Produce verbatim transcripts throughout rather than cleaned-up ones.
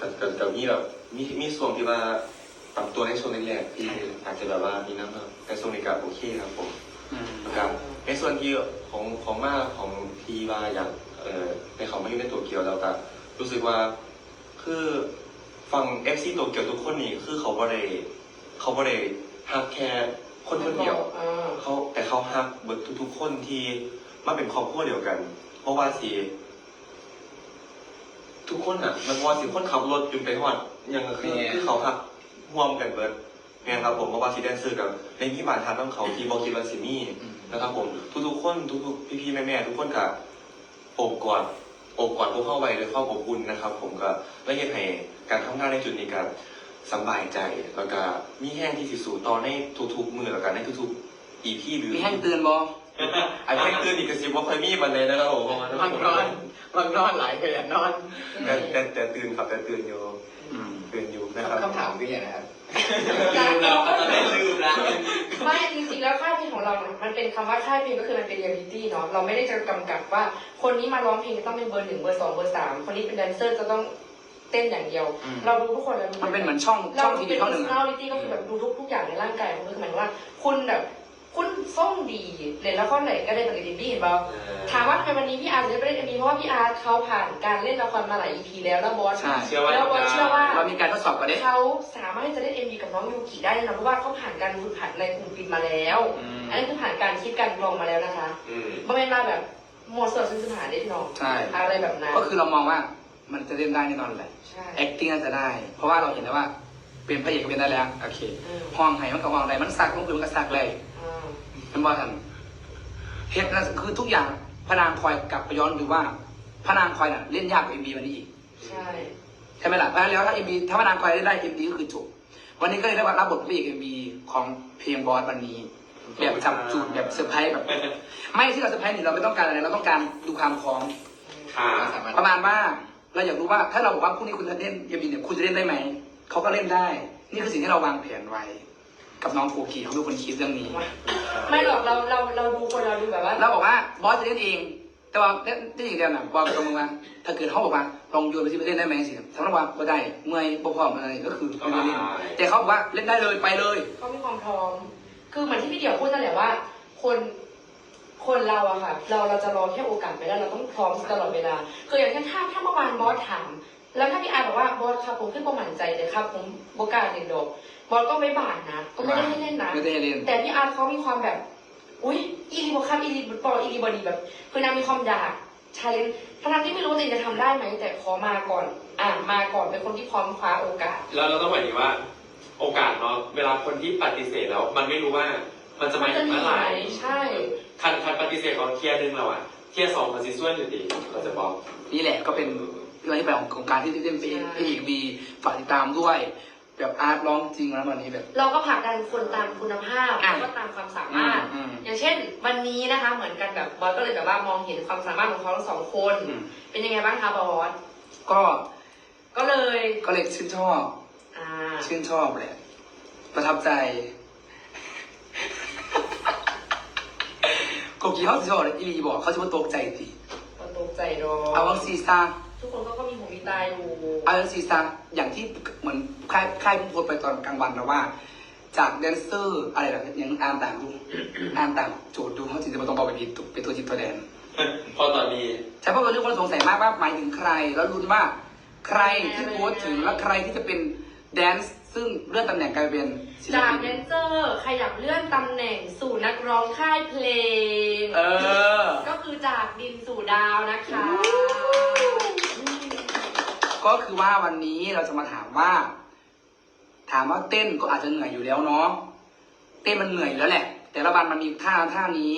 แต่แต่แต่มีแบบมีมีส่วนที่ว่าปรับตัวในช่วงแรกๆที่อาจจะแบบว่ามีน้ำครับแต่ช่วงนี้ก็โอเคครับผมครับในส่วนที่ของของมาของทีว่าอยากเอ่อในเขามาอยู่ในโตเกียวแล้วก็รู้สึกว่าคือฟัง เอฟ ซี โตเกียวทุกคนนี่คือเขาบ่ได้เขาบ่ได้ฮักแค่คนคนเดียวเขาแต่เขาฮักเบิดทุกๆคนที่มาเป็นครอบครัวเดียวกัน เพราะว่าสิทุกคนอ่ะมันว่าสิคนขับรถจนไปฮอดยังคือคือเขาฮักร่วมกันเบิดไงครับผมเพราะว่าสิแดนเซอร์กับในพี่บานทานต้องเขาที่บอกคิดว่าสิมีนะครับผมทุกๆคนทุกๆพี่ๆแม่ๆทุกคนกับโอบกอดโอบกอดพวกเข้าไว้ด้วยความอบอุ่นนะครับผมก็และยังให้การทำงานในจุดนี้กับสบายใจแล้วก็มีแห้งที่สิสู่ต่อในทุกๆมือแล้วกันในทุกๆ อี พี หรือมีแห้งเตือนบอไอ้แห้งเตือนอีกกระซิบว่าเคยมีมันเลยนะครับผมบางนอนบางนอนหลายเคยนอนแต่แต่แต่ตื่นครับแต่ตื่นอยู่ตื่นอยู่นะครับคำถามคืออย่างไรครับลืมแล้วตอนนี้ลืมแล้วไม่จริงๆแล้วค่ายเพลงของเรา มันเป็นคำว่าค่ายเพลงก็คือมันเป็นเรียลลิตี้เนาะเราไม่ได้จะกำกับว่าคนนี้มาร้องเพลงจะต้องเป็นเบอร์หนึ่งเบอร์สองเบอร์สามคนนี้เป็นแดนเซอร์จะต้องเต้นอย่างเดียว เราดูทุกคนแล้วมันเป็นเหมือนช่องช่องทีวีช่องหนึ่งเราเป็น personality ก็คือแบบดูทุกทุกอย่างในร่างกายของคือหมายถึงว่าคุณแบบคุณส่งดีเล่นละครไหนก็ได้ปกติพี่เห็นเปล่าถามว่าทำไมวันนี้พี่อาร์ตจะไม่ได้เล่นเอ็มวีเพราะว่าพี่อาร์ตเขาผ่านการเล่นละครมาหลาย อี พี แล้วแล้วบอสแล้วบอสเชื่อว่าเรามีการทดสอบกันดิเขาสามารถที่จะเล่น เอ็ม วี กับน้องยูกิได้นะเพราะว่าเขาผ่านการฝึกหัดในกลุ่มปิดมาแล้วอันนี้คือผ่านการคิดการลองมาแล้วนะคะไม่เป็นมาแบบโมเสสซึ่งสถานเด็ดน้องอะไรแบบนั้นก็คือเรามองว่ามันจะเล่นได้แน่นอนแหละใช่ acting น่าจะได้ เพราะว่าเราเห็นแล้วว่าเป็นพระเอกก็เป็นได้แล้วโอเคห้องไห้มันกับห้องอะไรมันสักมันคือมันก็สักเลยมันว่าทันเหตุนั้นคือทุกอย่างพระนางคอยกลับไปย้อนดูว่าพระนางคอยน่ะเล่นยากกว่าเอ็มบีวันนี้อีกใช่ใช่ไหมล่ะเพราะฉะนั้นแล้วถ้าเอ็มบีถ้าพระนางคอยได้ได้เอ็มบีก็คือจบวันนี้ก็เลยได้รับบทพระเอกเอ็มบีของเพลงบอสวันนี้แบบจับจูดแบบเซอร์ไพรส์แบบไม่ที่เราเซอร์ไพรส์นี่เราไม่ต้องการอะไรเราต้องการดูความพร้อมค่ะประมาณว่าเราอยากรู้ว่าถ้าเราบอกว่าพรุ่งนี้คุณจะเล่นเอ็มบีเนี่ยคุณจะเล่นได้ไหมเขาก็เล่นได้ นี่คือสิ่งที่เราวางแผนไว้ กับน้องโกกีเขาเป็นคนคิดเรื่องนี้ไม่หรอกเราเราเราดูคนเราดูแบบว่าเราบอกว่าบอสจะเล่นเอง แต่ว่าเล่นได้อย่างเดียวนะบอกตรงๆว่าถ้าเกิดเขาบอกว่าลองโยนไปที่ไปเล่นได้ไหมสิสำหรับว่าไม่ได้เมื่อยบ่พร้อมอะไรก็คือไม่ได้เล่นแต่เขาบอกว่าเล่นได้เลยไปเลยเขามีความพร้อม คือเหมือนที่พี่เดี่ยวพูดนั่นแหละว่า คนคนเราอะค่ะ เราเราจะรอแค่โอกาสไม่ได้เราต้องพร้อมตลอดเวลาคืออย่างเช่นถ้าถ้าเมื่อวานบอสถามแล้วถ้าพี่อาร์บอกว่าบอสครับผมขึ้นประมั่นใจเลยครับผมโบกล้าเล่นดอกบอสก็ไม่บาดนะก็ไม่ได้ให้เล่นนะไม่ได้เล่นแต่พี่อาร์เขามีความแบบ อุ้ยอีรีบอครับอีรีบอลอีรีบอดีแบบ คือนางมีความอยากชาเลนจ์ทั้งที่ไม่รู้ว่าตัวเองจะทำได้ไหมแต่ขอมาก่อน อ่ามาก่อนเป็นคนที่พร้อมคว้าโอกาสแล้วเราต้องหมายถึงว่า โอกาสเนาะเวลาคนที่ปฏิเสธแล้ว มันไม่รู้ว่า มันจะมาถึงเมื่อไหร่ใช่คันคันปฏิเสธของเทียร์หนึ่งเราอะเทียร์สองมันซิส่วนอยู่ดีเราจะบอกนี่แหละก็เป็นเรื่องที่ไปของโครงการที่เล่นเป็นพี่อีกมีฝากติดตามด้วยแบบอาร์ตร้องจริงแล้ววันนี้แบบเราก็ผลักดันคนตามคุณภาพแล้วก็ตามความสามารถ อย่างเช่น วันนี้นะคะ เหมือนกันแบบบอสก็เลยแบบว่ามองเห็นความสามารถของเขาทั้งสองคน เป็นยังไงบ้างคะบอสก็ก็เลยก็เลยชื่นชอบอ่าชื่นชอบแหละประทับใจกกี้เขาสิชอบอีลีบอกเขาจะมาตกใจสิก็ตกใจดอเอาวังซีซ่าทุกคนก็ก็มีหูมีตาอยู่เอาวังซีซ่าอย่างที่เหมือนค่ายค่ายพูดไปตอนกลางวันแล้วว่า จากแดนเซอร์อะไรแบบยังอ่านต่างดู อ่านต่างโจทย์ดูเขาจริงๆมันต้องบอกไปผิดเป็นตัวจิตตัวแดนพอตอนนี้ใช่เพราะว่าทุกคนสงสัยมากว่าหมายถึงใคร แล้วลุ้นว่าใครที่โพสต์ถึงและใครที่จะเป็นแดนซ์ซึ่งเลื่อนตำแหน่งกลายเป็นศิลจากปินแดนเซอร์ขยับเลื่อนตำแหน่งสู่นักร้องค่ายเพลงเออก็คือจากดินสู่ดาวนะคะก็คือว่าวันนี้เราจะมาถามว่า ถามว่าเต้นก็อาจจะเหนื่อยอยู่แล้วเนาะเต้นมันเหนื่อยอยู่แล้วแหละ แต่ละวันมันมีท่าท่านี้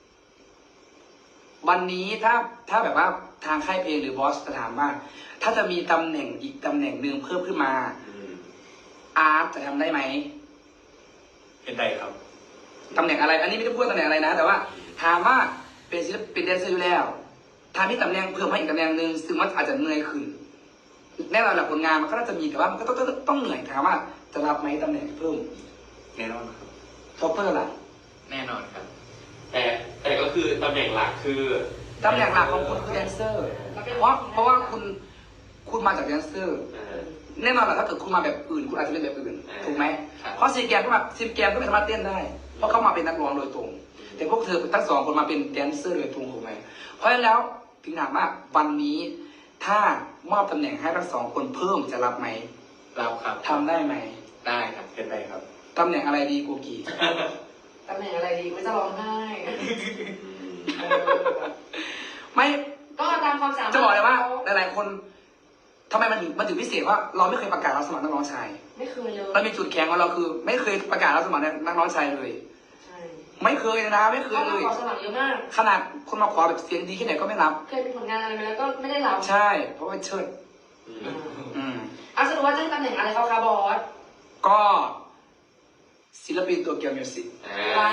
วันนี้ถ้าถ้าแบบว่าทางค่ายเพลงหรือบอสจะถามว่า ถ้าจะมีตำแหน่งอีกตำแหน่งหนึ่งเพิ่มขึ้นมาอาร์ตจะทำได้ไหมเป็นไดครับตำแหน่งอะไร อันนี้ไม่ได้พูดตำแหน่งอะไรนะ แต่ว่าถามว่าเป็นศิลปินแดนเซอร์อยู่แล้วถ้ามีตำแหน่งเพิ่มให้อีกตำแหน่งหนึ่งซึ่งมันอาจจะเหนื่อยขึ้นแน่นอนแหละผลงานมันก็น่าจะมีแต่ว่ามันก็ต้องต้องต้องเหนื่อยถามว่าจะรับไหมตำแหน่งเพิ่มแน่นอนครับท็อปเปอร์ล่ะแน่นอนครับแต่แต่ก็คือตำแหน่งหลักคือตำแหน่งหลักของคุณคือแดนเซอร์เพราะเพราะว่าคุณคุณมาจากแดนเซอร์อ่าแน่นอนแหละถ้าเกิดคุณมาแบบอื่นคุณอาจจะเป็นแบบอื่นอ่าถูกไหมครับเพราะซีแกมก็มาซีแกมก็ไม่สามารถเต้นได้ เพราะเขามาเป็นนักร้องโดยตรง แต่พวกเธอทั้งสองคนมาเป็นแดนเซอร์โดยตรงถูกไหมเพราะฉะนั้นแล้วถึงถามว่าวันนี้ถ้ามอบตำแหน่งให้ทั้งสองคนเพิ่มจะรับไหมเราครับทำได้ไหมได้ครับเป็นไรครับตำแหน่งอะไรดีกูกีตำแหน่งอะไรดีไม่จะร้องไห้เออไม่ก็ตามความสามารถจะบอกเลยว่าหลายๆคนทำไมมันถึงมันถึงพิเศษว่าเราไม่เคยประกาศรับสมัครนักร้องชายไม่เคยเลยเรามีจุดแข็งของเราคือ ไม่เคยประกาศรับสมัครนักร้องชายเลยใช่ไม่เคยเลยนะไม่เคยเขาเลมาย ขอสมัครเยอะมากขนาดคนมาขอแบบเสียงดีแค่ไหนก็ไม่รับเคยมีผลงานอะไรมาแล้วก็ไม่ได้รับใช่ เพราะว่าเชิดอ่าอืมเอาสรุปว่าจะให้ตำแหน่งอะไรเขาคะบอสก็ศิลปินตัวเกียวมิวสิกว้าว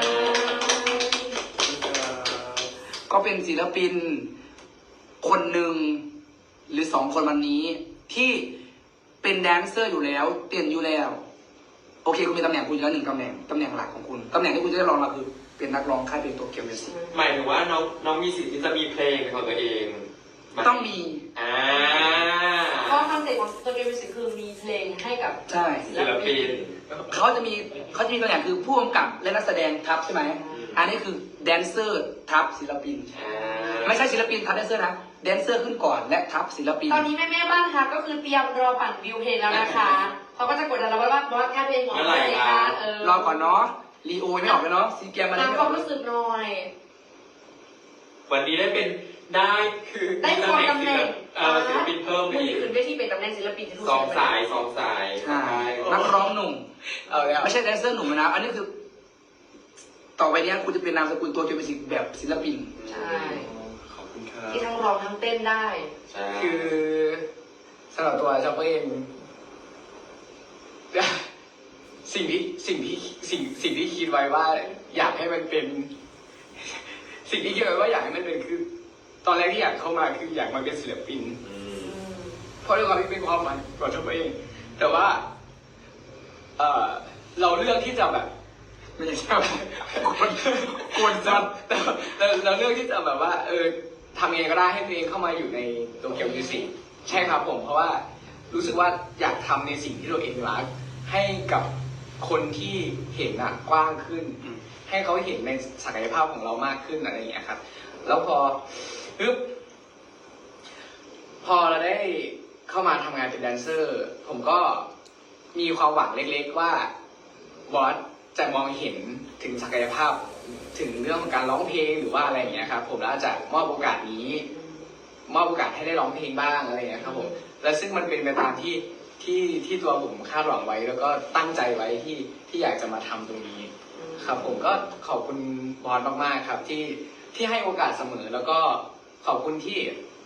ก็เป็นศิลปินคนหนึ่งหรือสองคนวันนี้ ที่เป็นแดนเซอร์อยู่แล้วเต้นอยู่แล้ว โอเคคุณมีตำแหน่งคุณอยู่แล้วหนึ่งตำแหน่งตำแหน่งหลักของคุณตำแหน่งที่คุณจะได้รองมาคือเป็นนักร้องค่ายเพลงตัวเกียวมิวสิกหมายถึงว่าน้องน้องมีสิทธิ์ที่จะมีเพลงเป็นของตัวเองไหต้องมีอ่าเพราะคอนเซ็ปต์ของตัวเกมมิวสิกคือมีเพลงให้กับใช่ศิลปินเขาจะมีเขาจะมีตำแหน่งคือผู้กำกับและนักแสดงทับใช่ไหมอันนี้คือแดนเซอร์ทับศิลปินอ่าไม่ใช่ศิลปินทับแดนเซอร์นะแดนเซอร์ขึ้นก่อนและทับศิลปินตอนนี้แม่แม่ๆบ้านค่ะก็คือเตรียมรอปั่นวิวเพลงแล้วนะคะเขาก็จะกดดันเราว่าบอสค่าเพลงของอะไรคะเออรอก่อนเนาะรีโอยังไม่ออกเลยเนาะซีแกมมันยังตามไม่คอวาอมกเลยรู้สึกหน่อยวันนี้ได้เป็นได้คือได้คนตำแหน่งเอ่อศิลปินเพิ่มไปมืออีกขึ้นเวทีเป็นตำแหน่งศิลปินที่ถูกสองสายสองสายใช่นักร้องหนุ่มเอาแล้วไม่ใช่แดนเซอร์หนุ่มนะ อันนี้คือ ต่อไปเนี้ยคุณจะเป็นนามสกุลตัวเกียวมิวสิกแบบศิลปินใช่ขอบคุณครับที่ทั้งร้องทั้งเต้นได้ใช่คือสำหรับตัวชอบเองสิ่งที่สิ่งที่สิ่งสิ่งที่คิดไว้ว่า อยากให้มันเป็น สิ่งที่คิดไว้ว่าอยากให้มันเป็นคือ ตอนแรกที่อยากเข้ามาคืออยากมาเป็นศิลปินอืมเพราะด้วยความที่เป็นความฝันของตัวเอง แต่ว่า เออเราเลือกที่จะแบบไม่ใช่ครับกวนจัดแต่เราเราเลือกที่จะแบบว่า เออทำยังไงก็ได้ให้ตัวเองเข้ามาอยู่ในโตเกียวมิวสิกใช่ครับผม เพราะว่ารู้สึกว่าอยากทำในสิ่งที่ตัวเองรัก ให้กับคนที่เห็นอะกว้างขึ้นอืมให้เขาเห็นในศักยภาพของเรามากขึ้นอะไรอย่างเงี้ยครับ แล้วพอปึ๊บพอเราได้เข้ามาทำงานเป็นแดนเซอร์ ผมก็มีความหวังเล็กๆว่าบอสจะมองเห็นถึงศักยภาพถึงเรื่องของการร้องเพลงหรือว่าอะไรอย่างเงี้ยครับผมแล้วจะมอบโอกาสนี้ มอบโอกาสให้ได้ร้องเพลงบ้างอะไรอย่างเงี้ยครับผมและซึ่งมันเป็นไปตามที่ที่ที่ตัวผมคาดหวังไว้ แล้วก็ตั้งใจไว้ที่ที่อยากจะมาทำตรงนี้ ครับผมก็ขอบคุณบอสมากๆครับที่ที่ให้โอกาสเสมอ แล้วก็ขอบคุณที่